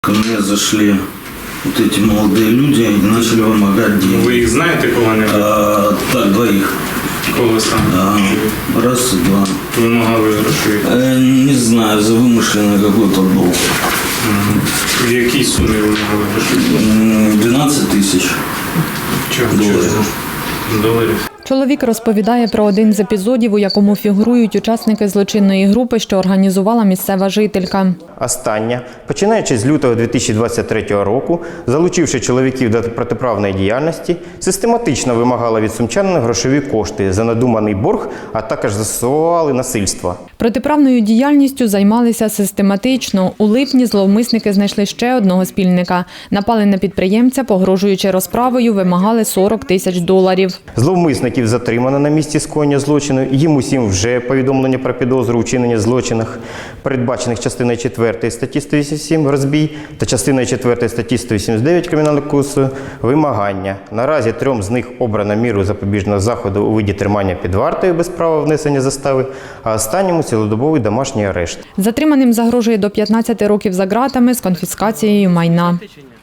Ко мне зашли вот эти молодые люди и начали вымогать деньги. Ви їх знаєте кого-небудь? Так, двоих. Кого саме? Раз и два. Вимагали грошей? Не знаю, за вымышленный какой-то долг. В якій сумі вимагали грошей? 12 тысяч долларов. Доларів. Чоловік розповідає про один з епізодів, у якому фігурують учасники злочинної групи, що організувала місцева жителька. Остання, починаючи з лютого 2023 року, залучивши чоловіків до протиправної діяльності, систематично вимагала від сумчанина грошові кошти за надуманий борг, а також застосовували насильство. Протиправною діяльністю займалися систематично. У липні зловмисники знайшли ще одного спільника. Напали на підприємця, погрожуючи розправою, вимагали 40 тисяч доларів. Зловмисників затримано на місці скоєння злочину. Їм усім вже повідомлення про підозру у вчиненні злочинах, передбачених частиною 4 статті 187 «Розбій» та частиною 4 статті 189 Кримінального кодексу «Вимагання». Наразі 3 з них обрано міру запобіжного заходу у виді тримання під вартою без права внесення застави, а останньому – цілодобовий домашній арешт. Затриманим загрожує до 15 років за ґратами з конфіскацією майна.